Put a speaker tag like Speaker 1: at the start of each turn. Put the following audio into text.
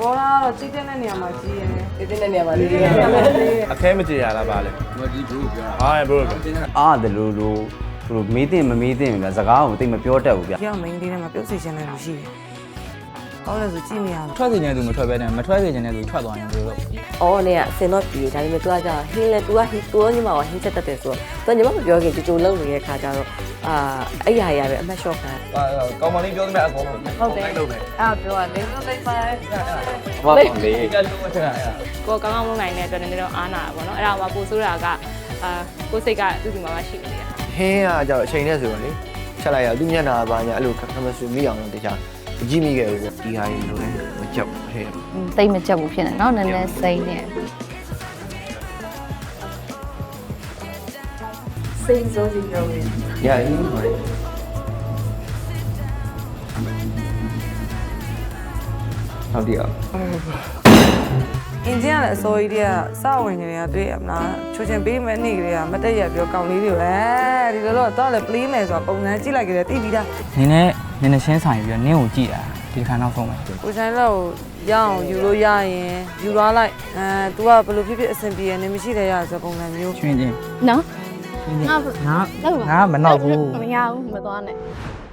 Speaker 1: ဘောလားတော့ကြည့်တဲ့နေရာမှာကြည့်ရဲ
Speaker 2: ဒီတဲ့နေရာမှာလေး
Speaker 3: အခဲမကြေရလားပါလေဒီဘရိုပြောဟာဘရို
Speaker 4: အားတယ်လို့သူတို့မေးတင်မမေးတင်ဗျာစကားကိုတိတ်မပြောတတ်ဘူးဗျာ
Speaker 1: ပြောင်းမင်းလေးထဲမှာပြုတ်စီချင်တဲ့လူရှိတယ်ဟောလဲဆိုကြည့်နေရ
Speaker 5: ထွက်စီနေတဲ့သူမထွက်ပဲနဲ့မထွက်စီနေတဲ့သူထွက်သွားရင်ဘယ်လိုလုပ်
Speaker 2: အော်နေကစင်တော့ပြီဒါပေမဲ့ तू ကကြာဟင်းလဲ तू ကဟီတိုးညီမကဟင်းချက်တတ်တယ်ဆိုတော့ तू ညီမမပြောခင်ကြိုကြိုလုံနေတဲ့ခါကျတော့အဲ့ရရပဲအမှတ်လျှော့ခံ
Speaker 3: ကောင်မလေးပြောသမျှအကုန်လုံး
Speaker 2: ဟုတ်တယ်
Speaker 3: လုပ်မယ်
Speaker 1: အဲ့ပြောရတယ်လုံးလိုက်ပါ
Speaker 4: ဟုတ်တယ်လေ
Speaker 5: ကလုံးဝချက်ရအဲ့
Speaker 6: ကိုကောင်းကောင်းလုပ်နိုင်တဲ့အတွက်လည်းတော့အားနာတာပေါ့နော်အဲ့ဒါမှပို့ဆိုးတာကကိုစိတ်ကသူ့ဒီမှာမှရှိနေတာ
Speaker 7: ဟင်းကကြောက်အချိန်နဲ့ဆိုတော့လေချက်လိုက်ရသူမျက်နှာပါညာအဲ့လိုခမဆူမိအောင်လို့တခြားကြည့်မိခဲ့ဘူးပေါ့ဒီဟာကြီးလိုလဲမကြောက်ဟဲ့
Speaker 8: တိတ်မကြက်ဘူးဖြစ်နေနော်နည်းနည်းစိမ့်နေ
Speaker 2: စိတ်စိုးစီပြောနေ
Speaker 7: ရရင်ဟုတ်တယ်
Speaker 1: အင်ဂျင်ကလည်းအစိုးရတွေကစဝင်နေတယ်တွေ့ရမလားချိုချင်ပေးမဲ့နေ့ကလေးကမတက်ရပြောကောင်းလေးတွေပဲဒီလိုတော့လည်း play မယ်ဆိုတာပုံစံကြည့်လိုက်ကြတယ်တိပြီးသား
Speaker 5: နင်းနဲ့ရှင်းဆိုင်ပြီးတော့နင်းကိုကြည့်တာဒီခါနောက်ဆုံးပဲ
Speaker 1: ကိုဆိုင်လောက်ရအောင်ယူလို့ရရင်ယူသွားလိုက်तू ကဘယ်လိုဖြစ်ဖြစ်အဆင်ပြေရနေမရှိတယ်ရဆိုပုံစံမျိုး
Speaker 5: ချွင်းချင်း
Speaker 8: နော်
Speaker 5: ငါမနောက်ဘူး
Speaker 8: မရဘူးမသွားနဲ့